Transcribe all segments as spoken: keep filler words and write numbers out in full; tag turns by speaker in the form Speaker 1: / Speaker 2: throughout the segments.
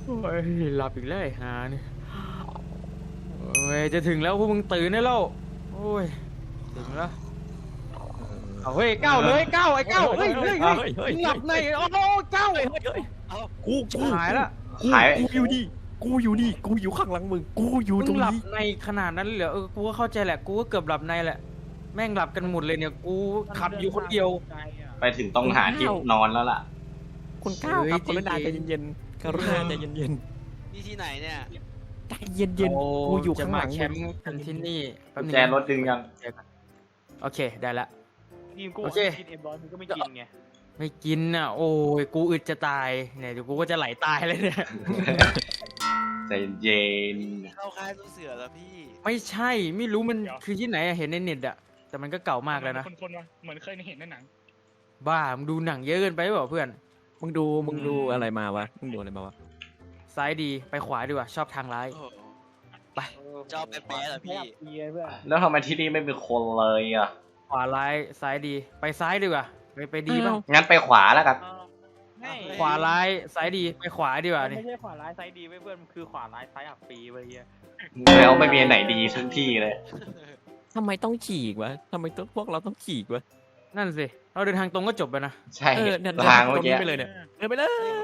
Speaker 1: โอ้ยหลับอีกแล้วไอ้หาเนี่ยโอ้ยจะถึงแล้วพวกมึงตื่นได้แล้วโอ้ยถึงแล้วเอาเฮ้ยก้าวเลยก้าวไอ้ก้าวเฮ้ยเฮ้ยเฮ้ยมึงหลับในโอ้โหก้าว
Speaker 2: กูกู
Speaker 1: หายละ
Speaker 2: หายกูอยู่นี่กูอยู่นี่กูอยู่ข้างหลังมึงกูอยู่ต
Speaker 1: มึ
Speaker 2: รง ง
Speaker 1: หลับ
Speaker 2: นี้
Speaker 1: ในขนาดนั้นเลยเหรอเออกูก็เข้าใจแหละกูก็เกือบหลับในแหละแม่งหลับกันหมดเลยเนี่ยกูขับอยู่คนเดียว
Speaker 3: ไปถึงต้องหาที่นอนแล้วล่ะ
Speaker 2: คุณก้าวครับ
Speaker 1: เฮ้
Speaker 2: ก
Speaker 1: ย
Speaker 2: รุณา
Speaker 1: ใจ
Speaker 2: ใจ
Speaker 1: เย็น
Speaker 2: เย็นๆกรุณาใจเย็น
Speaker 4: นี่ที่ไหนเนี่ย
Speaker 2: ๆใจเย็นๆกูอยู่
Speaker 1: จะ
Speaker 2: ข้างห
Speaker 1: มา
Speaker 2: ลัง
Speaker 1: แคมป์กันที่นี่แป๊บนึง
Speaker 3: แจรถดึงยัง
Speaker 1: โอเคได้ละ
Speaker 5: ทีมกู
Speaker 1: โอเค
Speaker 5: กินเอ็มร้อยมึงก็ไม่กินไง
Speaker 1: ไม่กินอ่ะโอ้ยกูอึดจะตายเนี่ยเดี๋ยวกูก็จะไหลตายเลยเนี่ย
Speaker 3: ใจเย็น
Speaker 4: เข้าค่ายตู้เสือแล้วพี่
Speaker 1: ไม่ใช่ไม่รู้มันคือที่ไหนอะเห็นในเน็ตอะแต่มันก็เก่ามากแล้วนะ
Speaker 5: คนๆวะเหมือนเคยเห็นในหนัง
Speaker 1: บ้ามึงดูหนังเยอะเกินไปเปล่าเพื่อน
Speaker 2: มึงดูมึงดูอะไรมาวะมึงดูอะไรมาวะ
Speaker 1: ซ้ายดีไปขวาดีกว่าชอบทางร้าย
Speaker 4: โอ้โห
Speaker 1: ไป
Speaker 4: ชอบแป๊ะๆเหรอพี่
Speaker 5: เบียร์เพื่อน
Speaker 3: แล้วทำไมที่นี่ไม่มีคนเลยอ่ะ
Speaker 1: ขวาร้ายซ้ายดีไปซ้ายดีกว่าไปไปดีบ้าง
Speaker 3: งั้นไปขวาแล้วกัน
Speaker 5: ไม่
Speaker 1: ขวาร้ายซ้ายดีไปขวาดีกว่า
Speaker 5: ไม่
Speaker 1: นี่
Speaker 5: ใช่ขวาร้ายไซด์ดีเว้ยเพื่อนมันคือขวาร้ายไซด์อับปีเว้ยเฮีย
Speaker 3: แล้วไม่มีอันไหนดีทั้งที่เลย
Speaker 2: ทำไมต้องฉีกวะทำไมต้องพวกเราต้องฉีกวะ
Speaker 1: นั่นสิเราเดินทางตรงก็จบไปนะ
Speaker 3: ใช่
Speaker 2: เออเนี่ย
Speaker 3: ทางเมื่อกี้
Speaker 2: ตรไปเลยเนี่ยเดินไปเลย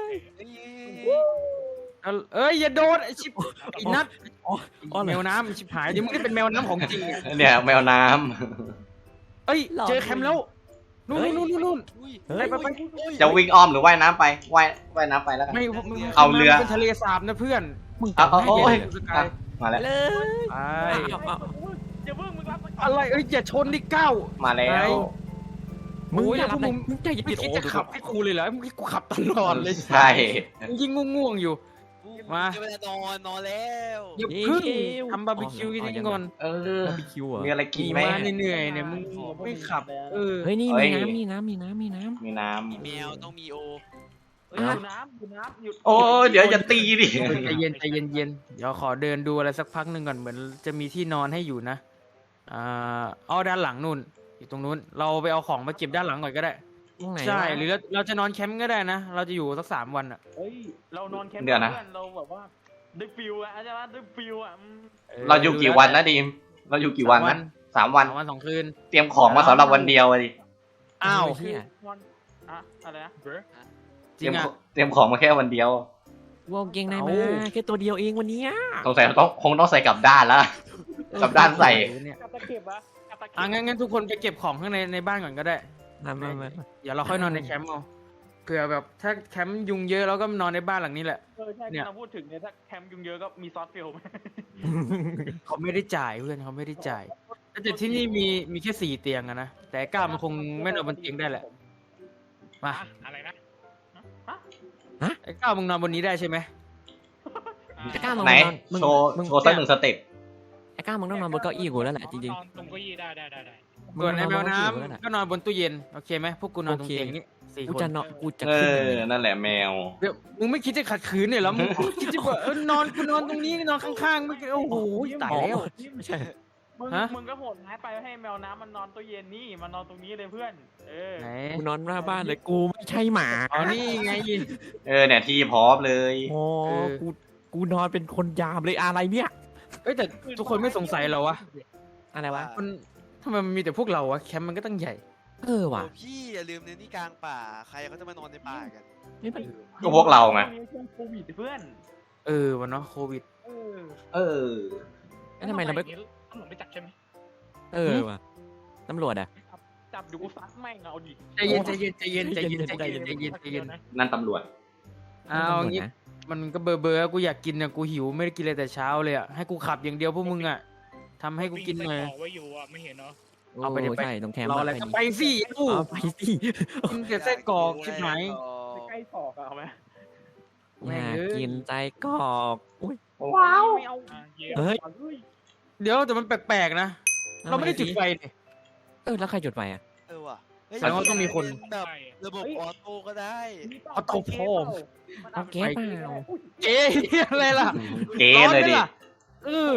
Speaker 1: เอาเอ้ยอย่าโดนไอชิบไอีนัท
Speaker 2: อ๋ออ๋อเหร
Speaker 1: แม
Speaker 2: อ
Speaker 1: วน้ำชิบหายเดี๋ยวมึงได้เป็นแมวน้ำของจริงอะ
Speaker 3: เนี่ยแมวน้
Speaker 1: เอ้ยเจอแคมป์แล้วนู่นนู่นนู่นนู่น
Speaker 4: อุ้ย
Speaker 2: เฮ้ย
Speaker 1: ไปไป
Speaker 3: ำจะวิ่งอ้อมหรือว่ายน้ำไปว่ายว่ายน้ำไปแล้วกัน
Speaker 1: ไม่มึง
Speaker 3: เอาเรือ
Speaker 1: เป็นทะเลสาบนะเพื่อน
Speaker 2: มึง
Speaker 3: เอาเอา
Speaker 2: จำ
Speaker 3: โอ้
Speaker 2: ได้
Speaker 3: ย
Speaker 2: เลย
Speaker 1: สกาย
Speaker 3: มา
Speaker 2: ไป
Speaker 3: แล้ว
Speaker 2: เลย
Speaker 1: ไป
Speaker 2: เอาเอา
Speaker 5: อย่าเพิ่งมึงรับ
Speaker 1: อะไรเอ้ยอย่าชนดิก้าว
Speaker 3: มาแล้ว
Speaker 2: มึง
Speaker 1: โอ้ย
Speaker 2: อย่า
Speaker 1: พวกมึง
Speaker 2: มึงใจเย็
Speaker 1: ไม่
Speaker 2: นๆ
Speaker 1: คิด
Speaker 2: โอ้
Speaker 1: จะ
Speaker 2: ดู
Speaker 1: ขับให้กูเลยเหรอมึงคิดกูขับตลอดเลย
Speaker 3: ใช่
Speaker 1: มึงยิ่งง่วงๆอยู่ มา
Speaker 4: จะเวลานอนนอนแล้ว
Speaker 1: อย่าเพึ่งทำบาร์บีคิวกันก่อน
Speaker 3: เออ
Speaker 2: บาร์บีคิวเหรอ
Speaker 3: มีอะไรกินไหม
Speaker 1: มาเหนื่อยๆเนี่ยมึงไม่ขับเออ
Speaker 2: เฮ้ยนี่
Speaker 3: เฮ้
Speaker 2: มี
Speaker 3: ย
Speaker 2: น้ำมีน้ำมีน้ำมีน้
Speaker 3: มีน้
Speaker 4: มีแมวต้องมีโอ
Speaker 5: เฮ้ยอยู่น้ำอยู่น้ำหยุด
Speaker 3: ำโอ้ยเดี๋ยวอย่าตีดิ
Speaker 1: ใจเย็นใจเย็นเย็นเดี๋ยวขอเดินดูอะไรสักพักหนึ่งก่อนเหมือนจะมีที่นอนให้อยู่นะอ่าเอาด้านหลังนู่นอยู่ตรงนู้นเราไปเอาของมาเก็บด้านหลังก่อนก็ได้
Speaker 2: ำตรงไหน
Speaker 1: ใช่
Speaker 2: วะ
Speaker 1: หรือเราเราจะนอนแคมป์ก็ได้นะ เราจะอยู่สักสามวันอ่ะ
Speaker 5: เฮ้ยเรานอนแคมป์
Speaker 3: เดี๋ยวนะ
Speaker 5: เพื่อนเราแบบว่าได้ฟิลอะใช่ไหมได้ฟิลอะอืม
Speaker 3: เราอยู่กี่วันนะดีม เราอยู่กี่วันนะสามวัน
Speaker 1: สามวันสองคืน
Speaker 3: เตรียมของมาสำหรับวันเดียวอะดิ
Speaker 1: อ้าว
Speaker 2: เหี้ย
Speaker 5: นอนอะอะไรนะเบร
Speaker 1: จ
Speaker 3: เต
Speaker 1: ริ
Speaker 3: รีย
Speaker 1: ง
Speaker 3: ม
Speaker 1: อ่ะ
Speaker 3: เตรียมของมาแค่วันเดียว
Speaker 2: วงเกงใน
Speaker 1: เอา
Speaker 2: มาแค่ตัวเดียวเองวันเนี้ย
Speaker 3: สงสัยต้องคงต้องใส่กลับด้านแล้ว กลับด้านใส่
Speaker 1: เนี่ย
Speaker 5: กับตะเข็บอะกับตะเข็บ
Speaker 1: อ่ะงั้นงั้นทุกคนไปเก็บของข้างในในบ้านก่อนก็ได้
Speaker 2: มามามา
Speaker 1: เดี๋ยวเราค่อยนอนในแคมป์เอาเผื่อแบบถ้าแคมป์ยุงเยอะเราก็นอนในบ้านหลังนี้แหละ
Speaker 5: เออใช่
Speaker 1: เนี่ย
Speaker 5: เราพูดถึงเนี่ยถ้าแคมป์ยุงเยอะก็มีซอสฟิลไหม
Speaker 1: เขาไม่ได้จ่ายเพื่อนเขาไม่ได้จ่ายแต่ที่นี่มีมีแค่สี่เตียงอะนะแต่ก้าวมันคงไม่นอนบนเตียงได้แหละมา
Speaker 5: อะอะไรนะฮะ
Speaker 1: ไอ้ก้าวมึงนอนบนนี้ได้ใช่ไหม
Speaker 2: ไอ้ก้าวมึง
Speaker 3: ไหน
Speaker 2: นอนมึง
Speaker 3: โชว์
Speaker 2: มึง
Speaker 3: โชว์สักหนึ่งสเต็ป
Speaker 2: ไอ้ก้าวมึงต้องนอนบนเก้าอี้กูแล้วแหละจริง
Speaker 5: นอนตรงเก้าอี้ได้ได้ได้ได้
Speaker 2: ๆ
Speaker 1: ส่วนในแมวน้
Speaker 2: มึงนอนบนเก้าอี้กูแล้วแหละ
Speaker 1: ำก็นอนบนตู้เย็นโอเคไหมพวกกูนอนตรง
Speaker 2: โอเค
Speaker 1: เตียงนี้สี่
Speaker 2: กู
Speaker 1: คน
Speaker 2: จะนอนกูจะ
Speaker 3: เอ
Speaker 2: ขึ้น
Speaker 3: อ
Speaker 2: เลย
Speaker 3: นั่นแหละแมว
Speaker 1: เดี๋ยวมึงไม่คิดจะขัดขืนเนี่ยเหรอมึงคิดจะแบบเออนอนกูนอนตรงนี้นอนข้างๆไม่โอ้โหตายแล้ว
Speaker 2: ไม่ใช่
Speaker 5: มึง
Speaker 1: ฮะ
Speaker 5: มึงก็โหดร้ายไปให้แมวน้ำมันนอนตู้เย็นนี่มันนอนตรงนี้เลยเพื่อน เออ
Speaker 1: ไหน
Speaker 2: กูนอนหน้าบ้านเลยกูไม่ใช่หมา
Speaker 1: อ๋อนี่ไง
Speaker 3: เออเนี่ยที่พร้อมเลย
Speaker 2: โอ้
Speaker 1: เออ
Speaker 2: กูกูนอนเป็นคนยามเลยอะไรเนี่ย
Speaker 1: เอ้ยแต่ทุกคนไม่สงสัยเหรอวะ
Speaker 2: อะไรวะ
Speaker 1: มันทำไมมันมีแต่พวกเราวะแคมป์มันก็ตั้งใหญ่
Speaker 2: เออว่ะ
Speaker 4: โอ้พี่อย่าลืมเนี่ยนี่กลางป่า ใครเขาจะมานอนในป่ากัน
Speaker 2: นี่มัน
Speaker 3: ก็พวกเราไง
Speaker 5: ช่วงโควิดเพื่อน
Speaker 1: เออวันเนาะโควิด
Speaker 5: เออ
Speaker 3: เออ
Speaker 2: แล้วทำไมเราไม่
Speaker 5: ตำรวจไม่จับใช่ไหม
Speaker 2: เออว่ะตำรวจอ่ะ
Speaker 5: จับอยู่กูซัดแม่งเอาดิ
Speaker 1: ใจเย็นใจเย็นใจเย็นใจเย็นใจเย็นใจเย็นใจเย็น
Speaker 3: นั่นตำรวจ
Speaker 1: เอางี้มันก็เบอร์เบอร์กูอยากกินเนี่ยกูหิวไม่ได้กินเลยแต่เช้าเลยอ่ะให้กูขับอย่างเดียวพวกมึงอ่ะทำให้กูกินหน่อย
Speaker 5: ไว้อยู่อ่ะไม่เห็นเนาะ
Speaker 1: เอาไปดิ
Speaker 2: โอ้
Speaker 1: ไป
Speaker 2: ใช่ตรงแคมป์
Speaker 1: รออะไร
Speaker 2: ป
Speaker 1: ก็
Speaker 2: ดิ
Speaker 1: ไปสิกู
Speaker 2: เอาไปสิ
Speaker 1: กินแต่ไส้กรอกชิบหาย
Speaker 5: ใกล้ศอกอะเอาไหม
Speaker 1: แม่
Speaker 2: อง ยาก
Speaker 1: เอ้ย
Speaker 2: กินใจกรอกอุ้ย
Speaker 5: ว้าวไม่เอา
Speaker 2: เฮ้ย
Speaker 1: เดี๋ยวแต่มันแปลกๆนะ เราไม่ได้จุดไฟนี่
Speaker 2: เออแล้วใครจุดไฟอ่ะ
Speaker 4: เออว่ะเฮ้ย
Speaker 1: แสดงว่าต้องมีคน
Speaker 4: แบบระบบออโต้ก็ได้
Speaker 1: เอาเตาโพม
Speaker 2: เอาเก๊เปล่า
Speaker 1: เจ๊อะไรล่ะ
Speaker 3: เก๋เลยดิ
Speaker 1: ร้อนไหมล่ะเออ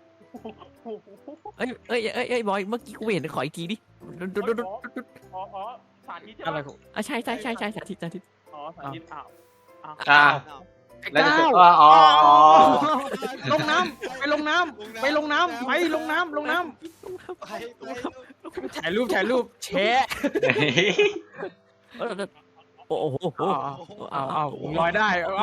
Speaker 2: เอ้ยเอ้ยเอ้ยเอ้ยบอยเมื่อกี้กูเห็นขออีกทีดิดูดูดูดูดู
Speaker 5: อ๋ออ๋อสาธิตใช่
Speaker 1: อะไร
Speaker 5: ไหม
Speaker 1: ของ
Speaker 2: อ่ะใช่ใช่ใช่ใช่สาธิตสาธิต
Speaker 5: อ๋อสาธิตอ้าวอ้าว
Speaker 3: อ่า
Speaker 1: ไอ้
Speaker 3: แล้วจะ
Speaker 1: ก้าว
Speaker 3: อ๋ออ๋ออ๋อ
Speaker 1: ลงน้ำไปลงน้ำไปลงน้ำไปลงน้ำลงน้
Speaker 4: ไปไป
Speaker 1: ำถ่ายรูปถ่ายรูปแชะ
Speaker 2: เออโอ้โห
Speaker 1: เอาเอาเอาลอยได้เอาเอา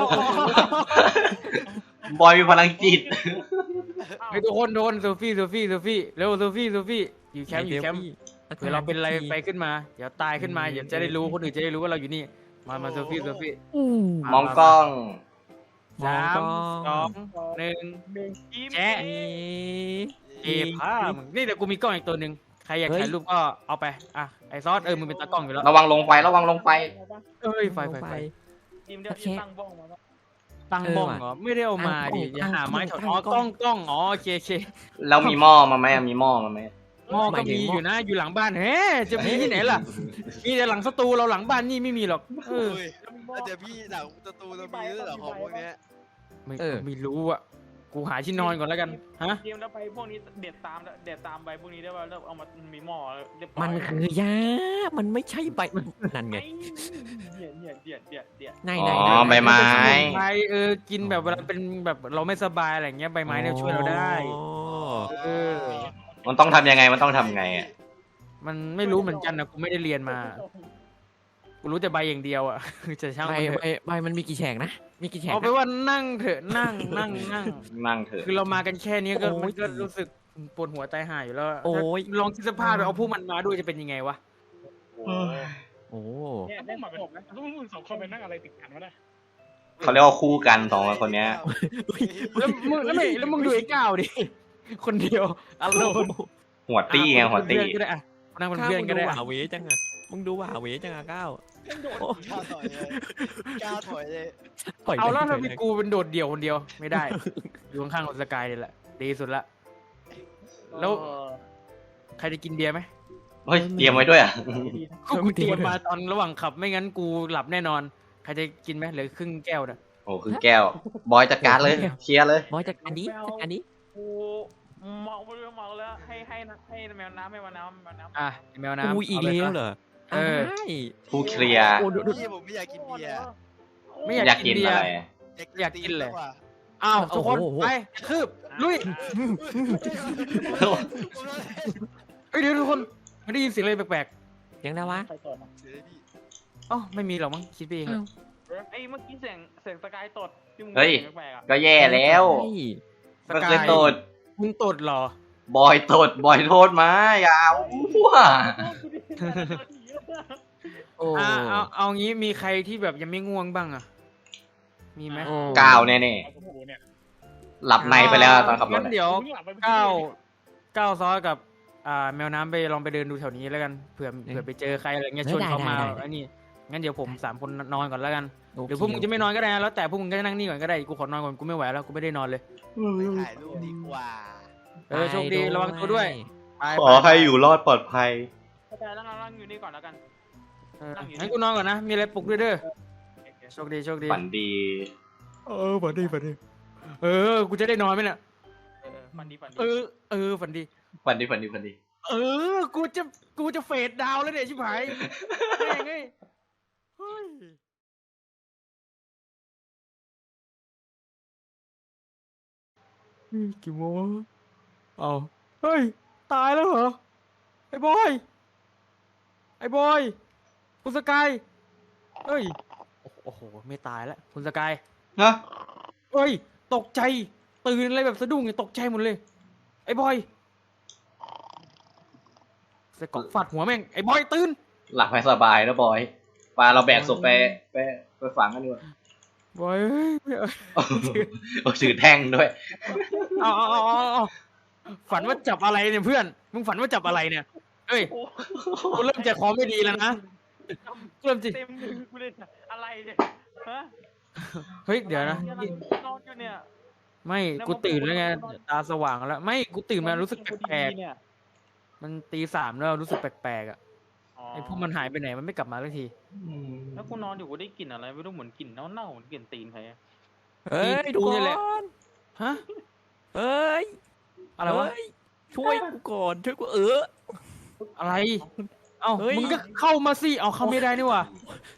Speaker 3: บอยมีพลังจิต
Speaker 1: ไอ้ทุกคนโดนโซฟี่โซฟี่โซฟี่เร็วโซฟี่โซฟี่อยู่แคมป์อยู่แคมป์เผื่อเราเป็นอะไรไปขึ้นมาเดี๋ยวตายขึ้นมาเดี๋ยวจะได้รู้คนอื่นจะได้รู้ว่าเราอยู่นี่มามาโซฟี่โซฟี่
Speaker 3: มองกล้อง
Speaker 1: สามสองหนึ่ง
Speaker 5: หนึ่งยิ้ม
Speaker 1: แชะเก็บผ้ามึงนี่เดี๋ยวกูมีกล้องอีกตัวหนึ่งใครอยากถ่ายรูปก็เอาไปอ่ะไอซอสเออมึงเป็นตากล้องอยู่แล้ว
Speaker 3: ระวังลงไฟระวังลงไฟ
Speaker 1: เอ้ยไฟไฟไฟ
Speaker 5: ยิ้มเดี๋ยวยิ้มตั้งบ้องมาแล้ว
Speaker 1: ตั้งบ้องเหรอไม่ได้เอามาดิอย่าหาไม้ถอดอ๋อกล้องกล้องอ๋อโอเคโอเค
Speaker 3: แล้วมีหม้อมาไหมมีหม้อมาไหม
Speaker 1: หม้อก็มีอยู่นะอยู่หลังบ้านเฮ้จะมีที่ไหนล่ะมีแต่หลังสตูเราหลังบ้านนี่ไม่มีหรอกเออ
Speaker 4: เฮ้ยแล้วเดี๋ยวพี่หลังประตูเรามีด้วยเหรอของพวกเนี้ย
Speaker 1: ไม่ไม่รู้อ่ะกูหาที่นอนก่อนแล้วกันฮะ
Speaker 5: ยิ้มแล้วไปพวกนี้เด็ดตามเด็ดตามใบพวกนี้ได้ป่ะแล้วเอามามีหม้อเรียบร้อย
Speaker 2: มันคือยามันไม่ใช่ใบนั่นไง
Speaker 5: เดี๋ยวเดี๋ยวเดี๋ยวเดี๋ยวเดี๋ยว
Speaker 2: ไหน
Speaker 3: อ๋
Speaker 2: ไหน
Speaker 3: อใบไม้
Speaker 1: ใบเออกินแบบเวลาเป็นแบบเราไม่สบายอะไรเงี้ยใบไม้เนี่ยช่วยเราได้เออ
Speaker 3: มันต้องทำยังไงมันต้องทำไงอ่ะ
Speaker 1: มันไม่รู้เหมือนกันนะกูไม่ได้เรียนมากูรู้แต่ใบอย่างเดียวอ่ะจะช่าง
Speaker 2: ใบ
Speaker 1: มันเถ
Speaker 2: ใบ
Speaker 1: อะ
Speaker 2: ใบมันมีกี่แฉกนะมีกี่แฉก
Speaker 1: เอาไปว่านั่งเถอะนั่งนั่งนั่ง
Speaker 3: นั่งเถอะ
Speaker 1: คือเรามากันแค่นี้ก็
Speaker 2: โอ้ย
Speaker 1: มันก็รู้สึกปวดหัวใจหายอยู่แล้ว
Speaker 2: โอ้ย
Speaker 1: ลองคิดสภาพไปเอาพวกมันมาด้วยจะเป็นยังไงวะ
Speaker 2: โอ้
Speaker 5: เนี่ยได้มาเป็นนะทุกมึงสองคนไปนั่งอะไรติดกันวะเนี่ย
Speaker 3: เขาเรียกว่าคู่กันสองคนเนี้ย
Speaker 1: แล้วมึงแล้วไม่แล้วมึงดูไอ้ก้าวดิ คนเดียวอารมณ์
Speaker 3: หัวตี้ไงหัวตี้
Speaker 1: เพื่อนก็ได้อะนั่งเป็น
Speaker 2: ก้าว
Speaker 1: เพื่อน
Speaker 2: มึง
Speaker 1: ก็
Speaker 2: ดู
Speaker 1: ได้
Speaker 2: ห
Speaker 1: อะ
Speaker 2: วาเวจังอะมึงดูหวาเวจังอะก้าว
Speaker 4: ก้าวถอยเลยก้าวถอยเลย
Speaker 2: ปล่ย
Speaker 1: เอาแล้ว
Speaker 2: ไป
Speaker 1: ทำไมกูเป็นโดดเดี่ยวคนเดียวไม่ได้ อยู่ข้างๆกับสกายนี่แหละดีสุดละ แล้ว ใครจะกินเบียร์ไหม
Speaker 3: เฮ้ยเตรียมไว้ด้วยอ่ะ
Speaker 1: กูเตรียมมาตอนระหว่างขับไม่งั้นกูหลับแน่นอน ใครจะกินไหมเหลือครึ่งแก้วนะ
Speaker 3: โอ้คือแก้ว บอยจัดการเลยเคลียร์เลย
Speaker 2: บอยจากอันนี้จากอันนี้
Speaker 5: กูเมาไปเรื่อยเมาแล้วให้ให้ให้แมวน้ำให้แมวน้ำแมวน้ำ
Speaker 1: อ่ะแมวน้ำ
Speaker 2: อุ้ยอีก
Speaker 1: าไป
Speaker 2: แล้ว
Speaker 1: ซะ
Speaker 2: เหรอ
Speaker 1: เออ
Speaker 2: ใช่
Speaker 3: ผู้เคลียร์
Speaker 2: โอ้ดูดู
Speaker 4: พี่ผมไม่อยากกินเบียร์
Speaker 1: ไม่
Speaker 3: อ
Speaker 1: อยาก
Speaker 3: ยาก
Speaker 1: กิ
Speaker 3: กิ
Speaker 1: น
Speaker 3: น
Speaker 1: เบีย
Speaker 3: อะ
Speaker 1: ร์
Speaker 3: ไร
Speaker 1: อยากกินเลย
Speaker 4: มว่ะ
Speaker 1: อ้าวทุกคน
Speaker 2: โอ้โห
Speaker 1: ไปคืบลุยเฮ้ยเดี๋ยวทุกคนไม่ได้ยินเสียงอะไรแปลก
Speaker 2: ยังได้วะ
Speaker 5: ใครก่อนนะ
Speaker 4: เสียพี่
Speaker 1: ๆอ๋อไม่มีหรอกมั้งคิดไปเองอะ
Speaker 5: ไอ้เมื่อกี้เสียงเสียงสกายตดที่มึง
Speaker 3: เฮ้ย
Speaker 5: เสียงแปลกๆอ่ะ
Speaker 3: ก็แย่แล้ว
Speaker 2: ใช่
Speaker 3: มันเคยโตด
Speaker 1: มึงตดเหรอ
Speaker 3: บอยโตดบอยโทษมาอย่าอ้ว
Speaker 2: โอ้
Speaker 1: อ่ะเอาเอางี้มีใครที่แบบยังไม่ง่วงบ้างอะมีไหม
Speaker 2: โอ้
Speaker 3: ก้าวแน่ๆหลับในไปแล้วตอนขับรถ
Speaker 1: งั้น
Speaker 3: อะ
Speaker 1: เดี๋ยว
Speaker 5: มึงหลับไปเมื่อ
Speaker 1: ก้าว
Speaker 5: นี่
Speaker 1: ก้าวซอสกับอ่าแมวน้ำไปลองไปเดินดูแถวนี้แล้วกันเผื่อเผื่อไปเจอใครอะไรเงี้ยชวนเขามาอันนี้งั้นเดี๋ยวผมสามคนนอนก่อนแล้วกัน
Speaker 2: โอเค
Speaker 1: เดี๋ยวพวกมึงจะไม่นอนก็ได้นะแล้วแต่พวกมึงก็นั่งนี่ก่อนก็ได้กูขอนอนก่อนกูไม่ไหวแล้วกูไม่ได้นอนเลย
Speaker 4: ไปถ่ายรูปดีกว่า
Speaker 1: เออโชคดีระวังตัวด้วยไป
Speaker 3: ขอให้อยู่รอดปลอดภัย
Speaker 5: เข้าใจแล้วนั่งอยู่นี่ก่อนแล้วกัน
Speaker 1: เอองั้นกูนอนก่อนนะมีอะไรปลุกด้วยเด้อโชคดีโชคดี
Speaker 3: ฝันดี
Speaker 1: เออฝันดีฝันดีเออกูจะได้นอนไหมเนี่ย
Speaker 5: เออฝันดีฝันดี
Speaker 1: เออเออฝันดี
Speaker 3: ฝันดีฝันดีฝันดี
Speaker 1: เออ กูจะ กูจะเฟดดาวน์แล้วเนี่ยชิบหายแม่งเอ้ยเฮ้ยเฮ้ยกี่โมงเอาเฮ้ย ตายแล้วเหรอ ไอ้บอย ไอ้บอย คุณสกาย เฮ้ย โอ้โห ไม่ตายแล้ว คุณสกาย
Speaker 3: ฮะ
Speaker 1: เฮ้ย ตกใจ ตื่นอะไรแบบสะดุ้งเนี่ยตกใจหมดเลย ไอ้บอยใส่กรอกฟาดหัวแม่ง ไอ้บอยตื่น
Speaker 3: หลับให้สบายนะบอยปาเราแบกศพไปไปไปฝังกันดีกว่า
Speaker 1: บอยเอ้ยเอ้ย
Speaker 3: โอ้ถือแท่งด้วย
Speaker 1: เอาเอาเอาเอาเอาฝันว่าจับอะไรเนี่ยเพื่อน มึงฝันว่าจับอะไรเนี่ย เอ้ย กูเริ่มใจคอไม่ดีแล้วนะกูเริ่มจิ
Speaker 5: เต็มมือกูเลยเนี่ยอะไรเนี่ยฮะ
Speaker 1: เฮ้ย เดี๋ยวนะ
Speaker 5: นอนอยู่เนี่ย
Speaker 1: ไม่ กูตื่นแล้วไง ตาสว่างแล้ว ไม่ กูตื่นมารู้สึกแปลก
Speaker 5: เนี่ย
Speaker 1: ๆ มันตีสามแล้วรู้สึกแปลกๆอ่ะ ไอ้พวกมันหายไปไหน มันไม่กลับมาสักที
Speaker 5: แล้วกูนอนอยู่กูได้กลิ่นอะไรไม่รู้เหมือนกลิ่นเน่าๆเหมือนกลิ่นตีนใครอะ
Speaker 2: เฮ้ย
Speaker 1: ดู
Speaker 2: ทุก
Speaker 1: นี่
Speaker 2: ค
Speaker 1: แหละ
Speaker 2: น
Speaker 1: ฮะ
Speaker 2: เฮ้ย
Speaker 1: อะไรวะ
Speaker 2: เฮ้ยช่วยกูก่อนช่วยกูเออ
Speaker 1: อะไร เอ้า
Speaker 2: เฮ้ย
Speaker 1: มึงก็เข้ามาสิ เอาเข้าไม่ได้นี่หว่า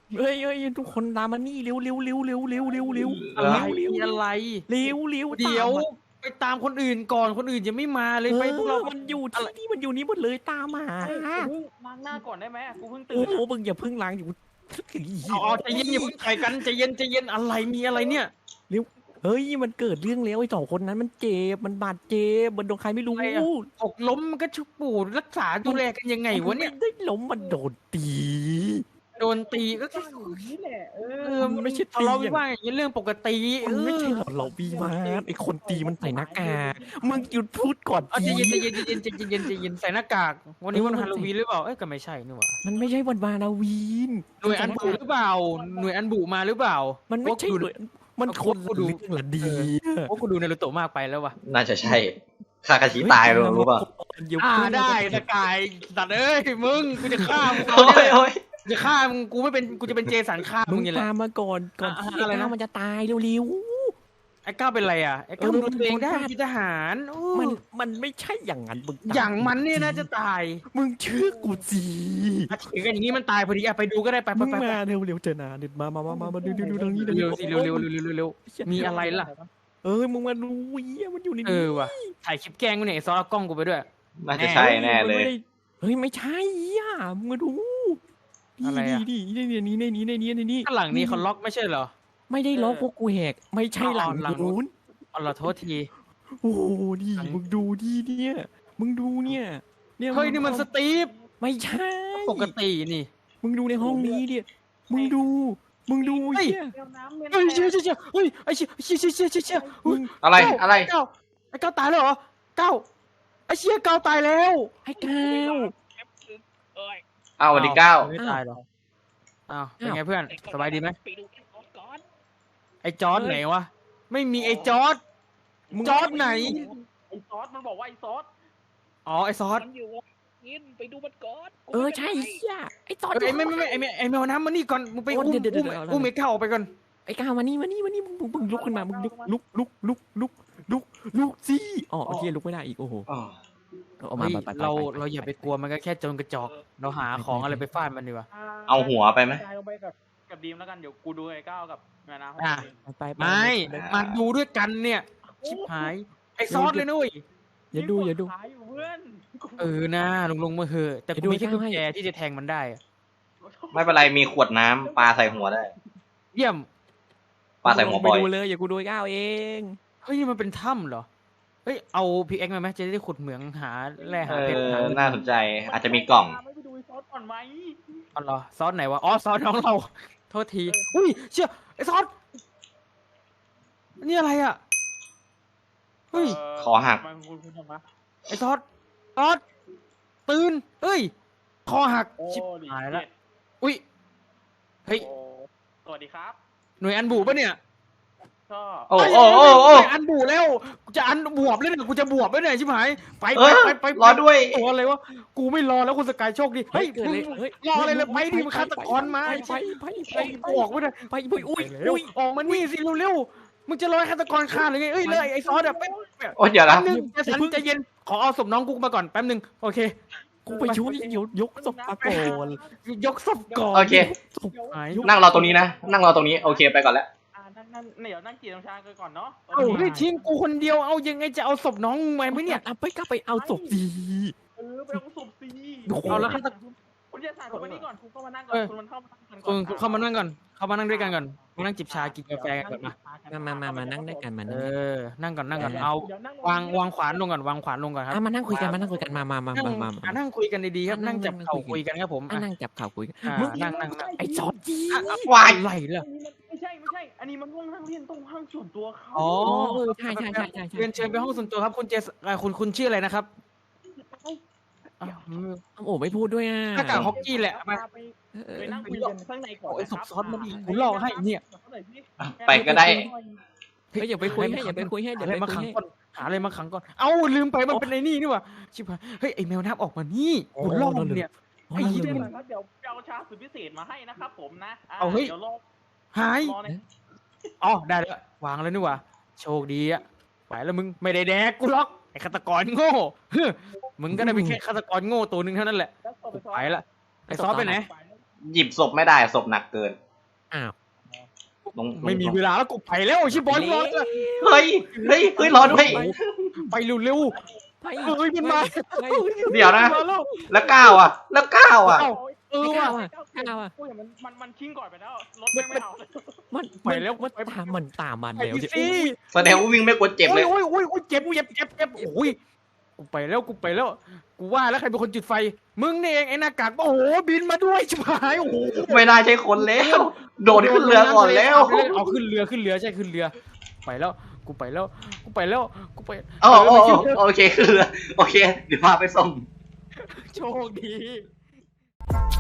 Speaker 2: เฮ้ยเฮ้ยทุกคนตามมานี่เร็วเร็วเร็วเร็วเร็วเร็วเร็ว
Speaker 1: อะไร
Speaker 2: เร็ว
Speaker 1: มีอะไร
Speaker 2: เร็วเร็ว
Speaker 1: เดี๋ยว
Speaker 2: ตามมา
Speaker 1: ไปตามคนอื่นก่อนคนอื่นยังไม่มาเลยไปพวกเรา
Speaker 2: มันอยู่ที่นี่มันอยู่นี่หมดเลยตามมา
Speaker 5: เฮ้ยกูเพิ่งล้างหน้าก่อนได้ไหมกูเพิ่งตื่
Speaker 2: โอ้
Speaker 5: น
Speaker 2: โหมึงอย่าเพิ่งล้างอยู่
Speaker 1: เอาเอาใจเย็นอย่าเพิ่งต่อยกันใจเย็นใจเย็นอะไรมีอะไรเนี่ย
Speaker 2: เฮ้ยมันเกิดเรื่องแล้วไอ้สองคนนั้นมันเจ็บมันบาดเจ็บมันโดนใครไม่รู้
Speaker 1: หกล้มมันก็ชุบปูรักษาดูแลกันยังไงวะเนี่ย
Speaker 2: ไม่ได้ล้มมันโดนตี
Speaker 1: โดนตีก็แค่
Speaker 5: นี่แหละเอ
Speaker 1: เอ
Speaker 5: อ
Speaker 1: อ
Speaker 2: มันไม่ใช่
Speaker 1: ทะเลาะ
Speaker 2: ตี
Speaker 1: วิวาทอย่างนี้เรื่องปกติ
Speaker 2: มันไม่ใช่หรอกเราบีมาไอ้คนตีมันใส่หน้ากากมึงหยุดพูดก่อน
Speaker 1: เอาใจ
Speaker 2: ที
Speaker 1: เย็นใจเย็นใจเย็นใจเย็นใจเย็นใส่หน้ากากวันนี้วันฮาโลวีนหรือเปล่าเอ้ยก็ไม่ใช่นี่หว่า
Speaker 2: มันไม่ใช่วันวานาวีน
Speaker 1: หน่วยอันบุหรือเปล่าหน่วยอันบุมาหรือเปล่า
Speaker 2: มันไม่ใช่เลยมันคนละเรื่องละดี
Speaker 1: โอ้กูดูในรูโตะมากไปแล้ววะ
Speaker 3: น่าจะใช่คากาชิตายรู้รู้ป่ะ
Speaker 1: อ่าได้สกายสัตว์เอ้ยมึงกูจะฆ่ามึง
Speaker 3: โอ้ยโอ้ย
Speaker 1: จะฆ่ามึงกูไม่เป็นกูจะเป็นเจสันฆ่า
Speaker 2: มึ
Speaker 1: มึ
Speaker 2: ง
Speaker 1: งอย่างไร
Speaker 2: ตามมาก่อนก่อน
Speaker 1: อ่ะ
Speaker 2: ที่
Speaker 1: อะไรนะ
Speaker 2: ไอ้ก้าวมันจะตายเร็ว
Speaker 1: ไอ้ก้าวเป็นไรอ่ะไอ้ก้าว
Speaker 2: เออ
Speaker 1: ดูตัวเองได้
Speaker 2: มัน
Speaker 1: เป็นทหารโอ้
Speaker 2: ๆมันมันไม่ใช่อย่างนั้นมึงต
Speaker 1: อย่างมันเนี่ยนะจะตาย
Speaker 2: มึงเชื่อกูสิ
Speaker 1: อ่ะถึงกันอย่างนี้มันตายพอดีอ่ะไปดูก็ได้ไปไป
Speaker 2: มึง
Speaker 1: ไปไป
Speaker 2: มาเร็วเร็วเจอหนาเด็ดมามามามามาดูดูดูทางนี้
Speaker 1: เร็วสิเร็วเร็วเร็วเร็วเร็วมีอะไรล่ะ
Speaker 2: เออมึงมาดูเหี้ยมันอยู่ใน
Speaker 1: เอ
Speaker 2: นี้
Speaker 1: อว่ะถ่ายคลิปแกล้งกูเนี่ยไอ้ซอสเอากล้องกูไปด้วย
Speaker 3: น่าจะใช่แน่เลย
Speaker 2: เฮ้ยไม่ใช่อ่ะมึงมาดู
Speaker 1: อะไรอะ
Speaker 2: นี่นี่นี่นี่นี่นี่นี่นี่นี่
Speaker 1: ข้างหลังนี้เขาล็อกไม่ใช่เหรอ
Speaker 2: ไม่ได้ล็อกพวกกูแหกไม่ใช่หลัง
Speaker 1: อ๋อหลัง
Speaker 2: นู้น
Speaker 1: อ๋อเหรอโทษที
Speaker 2: โอ้โหนี่
Speaker 1: หลัง
Speaker 2: มึงดูดิเนี่ยมึงดูเนี่ยเนี่ย
Speaker 1: เฮ้ยนี่มันสตีฟ
Speaker 2: ไม่ใช่
Speaker 1: ปกตินี่
Speaker 2: มึงดูในห้องนี้ดิมึงดูมึงดู
Speaker 1: เฮ้ย
Speaker 2: เหี้ย
Speaker 5: แมวน้ำเมน
Speaker 1: เฮ้ยเชี่ยเชี่ยเชี่ยเฮ้ยไอ้เชี่ยเชี่ยเชี่ยเชี่ยเชี่ยเชี่ย
Speaker 2: มึง
Speaker 3: อะไร
Speaker 1: เก้า
Speaker 3: อะไร
Speaker 1: เก้าไอ้เก้าตายแล้วเหรอเก้าไอ้เชี่ยเก้าตายแล้ว
Speaker 2: ไอ้ก้าว
Speaker 5: เอ้ย
Speaker 3: อ้าวสวัสดีเก้า
Speaker 1: ไม่ตายหรออ้าวเป็น
Speaker 2: อ้าว
Speaker 1: ไงเพื่อนสบายดีไหม
Speaker 5: ไปดูกันก่อน
Speaker 1: ไอ้จอร์ดไหนวะไม่มีไอ้จอร์ด
Speaker 2: มึง
Speaker 1: จอร์ดไหน
Speaker 5: ไอ้ซอสมันบอกว่าไอ้ซอส
Speaker 1: อ๋อไอ้ซอส
Speaker 5: มันอยู่กินไปดูมันก่อน
Speaker 2: เออใช่เหี้ยไอ้ตอน
Speaker 1: เอ้ยไม่ไม่ไม่ไอ้แมไอ้แมวน้ำมานี่ก่อนมึงไป
Speaker 2: โอ้
Speaker 1: อุ้ม
Speaker 2: เดี๋ยวเดี๋ยว
Speaker 1: อุ้ม
Speaker 2: เดี๋ยว
Speaker 1: อุ้มไอ้เก้าออกไปก่อน
Speaker 2: ไอ้ก้าวมานี่มานี่มานี่มึงมึงมึงลุกขึ้นมามึงลุกลุกลุกลุกลุกลุกลุกสิอ๋อโอเคลุกไม่ได้อีกโอ้โห
Speaker 3: อ๋อ
Speaker 2: เอามา
Speaker 1: เฮ้ย
Speaker 2: ไปไปไป
Speaker 1: เรา
Speaker 2: ไป
Speaker 1: เราอย่าไปกลัวมันก็แค่โจรกระจอกเราหาของอะไรไปฟาดมันดีกว่า
Speaker 3: เอาหัวไปไหม
Speaker 5: ลงไปกับกับดีมแล้วกันเดี๋ยวกูดูไอ้ก้าวกับแมวน้ำ
Speaker 1: อ่ะ
Speaker 2: ไปไปไป
Speaker 1: ไม่
Speaker 2: ไป
Speaker 1: มาดูด้วยกันเนี่ยชิบหายไอ้ซอสเลยนุ้ย
Speaker 2: อย่าดูอย่าดู
Speaker 5: ขายอยู่เพื่อน
Speaker 1: เออนะลงลงมาเหอะแต่
Speaker 2: อย่า
Speaker 1: กู
Speaker 2: ดู
Speaker 1: มีแค่
Speaker 2: ให้
Speaker 1: กุญแจที่จะแทงมันได้อะ
Speaker 3: ไม่เป็นไรมีขวดน้ำปลาใส่หัวได้
Speaker 1: เยี่ยม
Speaker 3: ปลาใส่หัวบอย
Speaker 2: ไปดูเลยอย่ากูดูไอ้ก้าวเอง
Speaker 1: เฮ้ยนี่มันเป็นถ้ำเหรอเฮ้ยเอาพีเอ็กมาไหมจะได้ขุดเหมืองหาแร่
Speaker 3: เอ
Speaker 1: หาเพชรหา
Speaker 3: อน่าสนใจ อาจจะมีกล่อง
Speaker 5: ไม่ไปดูไอ้ซอสก่อนไหม
Speaker 1: อ๋อเหรอซอสไหนวะอ๋อซอสน้องเราโทษทีอุ้ยเชี่ยไอ้ซอสนี่อะไรอ่ะเฮ้ย
Speaker 3: คอหัก
Speaker 5: ทำไมคุณคุณทำไม
Speaker 1: ไอ้ซอสซอสตื่นเอ้ยคอหัก
Speaker 5: โอ้
Speaker 1: ชิบ
Speaker 5: ดี
Speaker 1: หายละอุ้ยเฮ้ย
Speaker 5: โอ้สวัสดีครับ
Speaker 1: หน่วยอันบูปะเนี่ย
Speaker 5: ก็
Speaker 3: โอ้โอ้โอ้โอ้
Speaker 1: หน่วยอันบูแล้วกูจะอันบวบแล้วเนี่ยกูจะบวบแล้วเนี่ยชิบหายไป
Speaker 3: เอ
Speaker 1: ไป
Speaker 3: อ
Speaker 1: ไปไป
Speaker 3: รอด้วย
Speaker 1: ตัวอะไรวะกูไม่รอแล้วคุณสกายโชคดีเฮ้ย
Speaker 2: เกิด
Speaker 1: มึ
Speaker 2: เล
Speaker 1: ง
Speaker 2: ยเฮ้ย
Speaker 1: รออะไรเลยไปดิมันฆาตกรมา
Speaker 2: ไปไปไปไป
Speaker 1: ไปบอกไว้เลย
Speaker 2: ไปไปอุ้ย
Speaker 1: อุ้
Speaker 2: อุ้
Speaker 1: ย
Speaker 2: ย
Speaker 1: ออกมานี่สิเร็วๆมึงจะรอให้ฆาตกรฆ่าหรือไงเอ้ยเลยไอ้ซอสอะไป
Speaker 3: โอ้ยเดี๋ยว
Speaker 1: แป๊
Speaker 3: นะ
Speaker 1: บนึงใจสันใจเย็นขอเอาศพน้องกูมาก่อนแป๊บนึงโอเค
Speaker 2: กูไปช่วยยกยกศพมาก่อน
Speaker 1: ยกศพก่อน
Speaker 3: โอเค
Speaker 2: ศพหาย
Speaker 3: นั่งรอตรงนี้นะ นั่งรอตรงนี้ โอเคไปก่อนแล้ว
Speaker 5: อ่านั่งนั่งเดี๋ยวนั่งกินน้ำชากันก่อนเนาะ
Speaker 1: เอ้าได้ทิ้งกูคนเดียวเอายังไงจะเอาศพน้องมึงไปไหมเนี่ย
Speaker 2: เอาไปก็ไปเอาศพดี
Speaker 5: เออไปเอาศพซี
Speaker 2: โอ้โห
Speaker 1: เอาแล้วฆาตกร
Speaker 5: คุณจะสั่งคุณไปนี่ก่อนคุณเข้ามานั่งก่อน
Speaker 1: เออ
Speaker 5: คุณมันเข้ามานั่งกันก่
Speaker 1: คุ
Speaker 5: อน
Speaker 1: ณคุณเข้ามานั่งก่อนเข้ามานั่งด้วยกันก่อนมานั่งจิบชากินกาแฟกันก่อนมา
Speaker 2: มามามามานั่งด้วยกันมา
Speaker 1: เอ
Speaker 2: นั่ง
Speaker 1: อนั่งก่อนนั่งก่อนเอาวางวางขวานลงก่อนวางขวานลงก่อนครับ
Speaker 2: อ่ะมานั่งคุยกันมานั่งคุยกันมามามา
Speaker 1: นั่ง
Speaker 2: มามา
Speaker 1: อ่ะนั่งคุยกันดีๆครับนั่งจับเข่าคุยกันครับผม
Speaker 2: อ่ะ
Speaker 1: อ่ะ
Speaker 2: นั่งจับข่าวคุยกัน
Speaker 1: อ่ะ
Speaker 2: มึง
Speaker 1: นั่งนั่งนั่ง
Speaker 2: ไอ้จอร์จี
Speaker 1: อ่ะอ่ะ
Speaker 3: วาย
Speaker 1: อะไรล่ะ
Speaker 5: ไม่ใช่ไม่ใช่ อันนี้มันห้องนั่งเรียนตรงห้องส่วนตัวเขา
Speaker 1: อ๋อ
Speaker 2: อ๋อเออใช่ใช่ใช่ใช่ใช่
Speaker 1: เรียนเชิญไปห้องส่วนตัวครับคุณเจสเอ่อคุณคุณชื่ออะไรนะครับอ้าว
Speaker 2: โอ้ไม่พูดด้วยอ่ะ
Speaker 1: หน้ากากฮอกกี้แหละมา
Speaker 5: ไป
Speaker 2: เออ
Speaker 5: ไปนั่งคุยกันข้างในก่อน
Speaker 1: โอ้ยศพซ้อนมาดิกูหลอกให้เนี่ย
Speaker 3: ไปก็ได้
Speaker 2: เฮ้ยอย่าไปคุยให้อย่าไปคุยให้
Speaker 1: หา
Speaker 2: เดี๋ยว
Speaker 1: อะไร
Speaker 2: ไป
Speaker 1: มา
Speaker 2: คุย
Speaker 1: ขัง
Speaker 2: ให้
Speaker 1: ก่อนหาอะไรมาขังก่อนเอ้าลืมไปมันเป็นไอ้นี่นี่หว่าชิบหายเฮ้ยไอ้แมวน้ำออกมานี่กูล่อมันเนี่ย
Speaker 2: อ๋อ
Speaker 1: ไอ้
Speaker 2: นั่น
Speaker 1: เหี้ย
Speaker 2: เลย
Speaker 5: เดี๋ยวเดี๋ยวเอาชาสุดพิเศษมาให้นะครับผมนะะ
Speaker 1: เอาเฮ้ย
Speaker 5: ดี๋ยวรอ
Speaker 1: หาย
Speaker 5: รอใน
Speaker 1: อ๋อได้แล้ววางแล้วนี่หว่าโชคดีอะไปแล้วมึงไม่ได้แดกกูล็อกไอ้ฆาตกรโง่เฮ้อมึงก็ได้เป็นแค่ฆาตกรโง่ตัวหนึ่งเท่านั้นแหละ
Speaker 5: แล้วส่งไป
Speaker 1: ไปละไอ้ซอสไปไหน
Speaker 3: หยิบศพไม่ได้ศพหนักเกิน
Speaker 2: อ้าว
Speaker 3: ลง
Speaker 1: ไม่มีเวลาแล้วกูไปแล้วชิบอลรอด
Speaker 3: เฮ้ยเฮ้ยเฮ้ยรอด้วย
Speaker 1: ไปเร็ว
Speaker 2: ไป
Speaker 1: ๆเฮ้ยมันมา
Speaker 2: ไป
Speaker 3: เดี๋ยวนะ
Speaker 1: มาแล้ว
Speaker 3: แล้วก้าวอ่ะ แล้วก้าวอ่ะ
Speaker 1: เอ้าเออ
Speaker 2: ไม่
Speaker 1: ว่ะ
Speaker 2: กล้าว่ะกล้าว่ะ
Speaker 5: โอ้ยมันมันมันชิงก่อนไปแล้วรถไม่ไม่เอาเลย
Speaker 2: มัน
Speaker 1: ไปแล้ว
Speaker 2: มันตามมันตามมัน
Speaker 1: ไป
Speaker 2: แล้ว
Speaker 1: ดิ
Speaker 2: สิ
Speaker 1: สิ
Speaker 3: แสดงว่าวิ่งไม่กลัวเจ็บเลย
Speaker 1: โอ้ยโอ้ยโอ้ยเจ็บเจ็บเจ็บเจ็บโอ้ยกูไปแล้วกูไปแล้ว กูว่าแล้วใครเป็นคนจุดไฟ มึงนี่เองไอ้หน้ากากโอ้โหบินมาด้วยชิบหายโอ้โห
Speaker 3: ไม่น่าใช่คนแล้ว โดดขึ้นเรือก่อนแล้ว
Speaker 1: เอาขึ้นเรือขึ้นเรือใช่ขึ้นเรือ ไปแล้วกูไปแล้วกูไปแล้วกูไป
Speaker 3: อ๋ออ๋ออ๋อโอเคขึ้นเรือโอเค เดี๋ยวพาไปส่ง
Speaker 1: โชคดี